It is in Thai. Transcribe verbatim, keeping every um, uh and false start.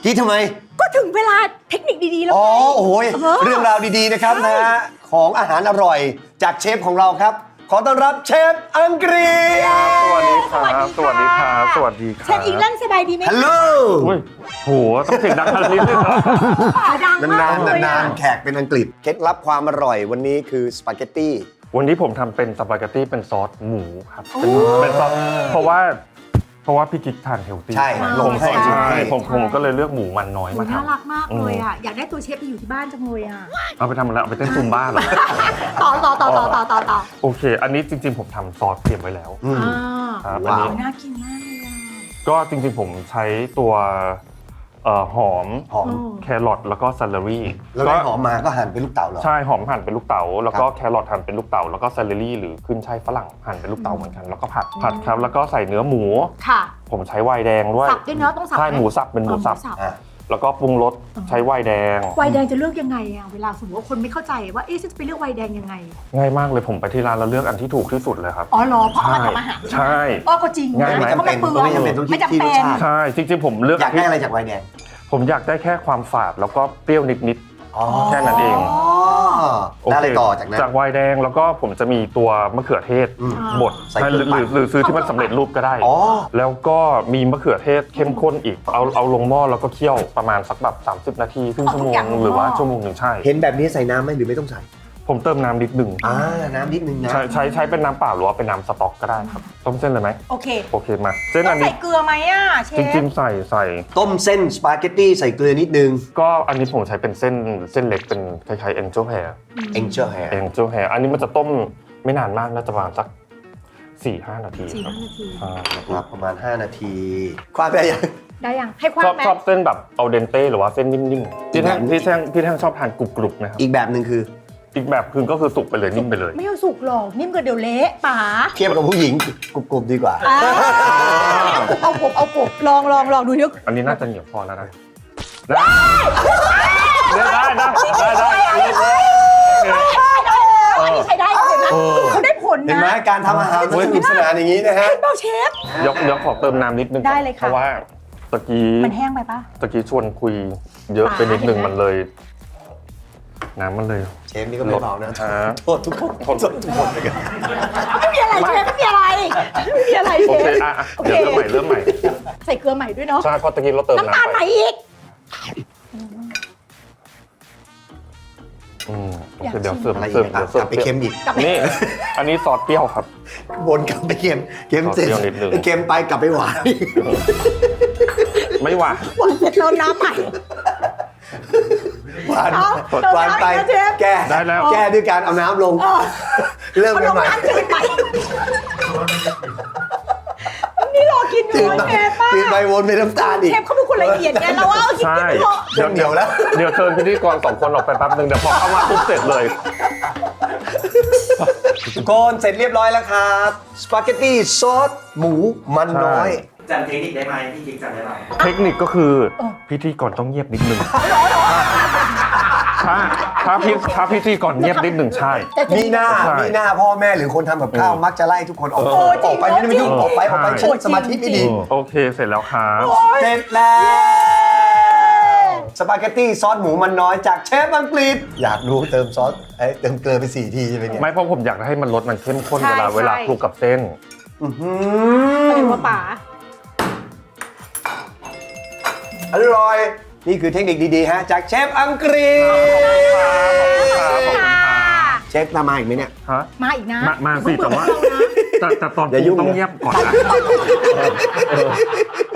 คิดทำไมก็ถึงเวลาเทคนิคดีๆแล้วอ๋อโอ้ยเรื่องราวดีๆนะครับนะฮะของอาหารอร่อยจากเชฟของเราครับขอต้อนรับเชฟอังกฤษสวัสดีครับ สวัสดีครับ สวัสดีครับเชฟอิงแลนด์สบายดีไหมฮัลโหลโหต้องเสียงดังขนาดนี้เลยเหรอดังมากเลยนานๆแขกเป็นอังกฤษเคล็ดลับความอร่อยวันนี้คือสปาเกตตี้วันนี้ผมทำเป็นสปาเกตตี้เป็นซอสหมูครับเป็นเป็นซอสเพราะว่าเพราะว่าพี่กิ๊กทานเฮลตี้ใช่ลงให้ใช่ผมผมก็เลยเลือกหมูมันน้อยมาทำน่ารักมากเลยอ่ะอยากได้ตัวเชฟไปอยู่ที่บ้านจังเลยอ่ะเอาไปทำอะไรเอาไปเต้นซุมบ้าเหรอต่อต่อต่อต่อต่อต่อต่อโอเคอันนี้จริงๆผมทำซอสเตรียมไว้แล้วครับอันนี้น่ากินมากเลยอ่ะก็จริงๆผมใช้ตัวหอมหอมแครอทแล้วก็ซัลเลอรี่แล้วได้หอมมาก็หั่นเป็นลูกเต๋าเหรอใช่หอมหั่นเป็นลูกเต๋าแล้วก็แครอทหั่นเป็นลูกเต๋าแล้วก็ซัลเลอรี่หรือขึ้นช่ายฝรั่งหั่นเป็นลูกเต๋าเหมือนกันแล้วก็ผัดผัดครับแล้วก็ใส่เนื้อหมูค่ะผมใช้ไวน์แดงด้วยสับด้วยเนาะต้องสับใช่หมูสับเป็นหมูสับแล้วก็ปรุงรสใช้ไวน์แดงไวน์แดงจะเลือกยังไงอ่ะเวลาสมมติว่าคนไม่เข้าใจว่าเอ๊ะจะไปเลือกไวน์แดงยังไงง่ายมากเลยผมไปที่ร้านแล้วเลือกอันที่ถูกที่สุดเลยครับอ๋อเหรอเพราะเอามาทำอาหารใช่อ๋อก็จริงง่ายไหมไม่จำเป็นไม่จำเป็นต้องคิดที่รสชาติใช่จริงๆผมเลือกอยากได้อะไรจากไวน์แดงผมอยากได้แค่ความฝาดแล้วก็เปรี้ยวนิดๆแค่นั้นเองได้เลยต่อจากนั้นจากไวน์แดงแล้วก็ผมจะมีตัวมะเขือเทศบดหรือหรือซื้อที่มันสำเร็จรูปก็ได้แล้วก็มีมะเขือเทศเข้มข้นอีกเอาเอาลงหม้อแล้วก็เคี่ยวประมาณสักแบบสามสิบนาทีครึ่งชั่วโมงหรือว่าชั่วโมงหนึ่งใช่เห็นแบบนี้ใส่น้ำไหมหรือไม่ต้องใส่ผมเติมน้ำนิดหนึ่งอ่าน้ำนิดนึงนะใช้ใช้ใช้เป็นน้ำเปล่าหรือว่าเป็นน้ำสต๊อกก็ได้ครับต้มเส้นเลยไหมโอเคโอเคมาเส้นอันนี้ใส่เกลือไหมอ่ะเชฟจริงๆใส่ใส่ต้มเส้นสปาเกตตี้ใส่เกลือนิดนึงก็อันนี้ผมใช้เป็นเส้นเส้นเล็กเป็นคล้ายๆ angel hair angel hair angel hair อันนี้มันจะต้มไม่นานมากน่าจะประมาณสัก สี่ห้า นาทีสี่ห้านาทีครับประมาณห้านาทีความได้ยังได้ยังให้ความไหมชอบเส้นแบบเอาเดนเต้หรือว่าเส้นนิ่มๆพี่แท่งพี่แท่งพี่แท่งชอบทานกรุบๆนะครับอีกแบบนึงคืออีกแบบคือก็คือสุกไปเลยนิ่มไปเลยไม่เอาสุกหรอกนิ่มก็เดี๋ยวเละป๋าเทียบกับผู้หญิงกรุบๆดีกว่าเอากบเอากบลองลองลองดูเดี๋ยวอันนี้น่าจะเหนียวพอแล้วนะได้ได้ได้ได้ได้ใช้ได้เห็นไหมเขาได้ผลนะเห็นไหมการทำอาหารมันสนุกสนานอย่างนี้นะฮะเปล่าเชฟยกเดี๋ยวขอเติมน้ำนิดนึงได้เลยค่ะเพราะว่าตะกี้มันแห้งไปปะตะกี้ชวนคุยเยอะไปนิดนึงมันเลยน้ำมันเลยเชฟนี่ก็ไม่เบานะโทษทุกคนโทษทุกคนเลยกันไม่มีอะไรเชฟไม่มีอะไรไม่มีอะไรเชฟโอเคอ่ะเดี๋ยวเริ่มใหม่เริ่มใหม่ใส่เกลือใหม่ด้วยเนาะใช่เพราะตะกี้เราเติมน้ำน้ำตาลใหม่อีกอืมโอเคเดี๋ยวเสิร์ฟเสิร์ฟเดี๋ยวเสิร์ฟไปเค็มอีกนี่อันนี้ซอสเปรี้ยวครับวนกลับไปเค็มเค็มเสร็จเค็มไปกลับไปหวานไม่หวานหวานเสร็จแล้วน้ำใหม่หวานหวานไปแก้ได้แล้วแก้ด้วยการเอาน้ำลงเริ่มกันใหม่นี่รอกินอยู่เชฟป่ะกินไปวนไปน้ำตาลอีกเชฟเขาเป็นคนละเอียดไงเราว่ากินกินเดี๋ยวเดี๋ยวแล้วเดี๋ยวเชิญพิธีกรสองคนออกไปแป๊บนึงเดี๋ยวพอเข้ามาปุ๊บเสร็จเลยทุกคนเสร็จเรียบร้อยแล้วครับสปาเกตตี้ซอสหมูมันน้อยจำเทคนิคได้ไหมพี่กิ๊กจำได้ไหมเทคนิคก็คือพิธีกรต้องเงียบนิดนึงถ้าถ้าพี่ถ้าพิธีกรเงียบนิดหนึ่งใช่มีหน้ามีหน้าพ่อแม่หรือคนทำกับข้าวมักจะไล่ทุกคนออกออกไปไม่ได้ไม่ยุ่งออกไปออกไปใช้สมาธิไม่ดีโอเคเสร็จแล้วครับเสร็จแล้วสปาเกตตี้ซอสหมูมันน้อยจากเชฟอังกฤษอยากรู้เติมซอสเอ้เติมเกลือไปสี่ทีใช่ไหมเนี่ยไม่เพราะผมอยากให้มันรสมันเข้มข้นเวลาเวลาคลุกกับเส้นอือหือว่าป๋าอร่อยนี่คือเทคนิคดีๆฮะจากเชฟอังกฤษเชฟมาอีกไหมเนี่ยมาอีกนะมาสิแต่ว่าแต่ตอนต้องเงียบก่อนนะ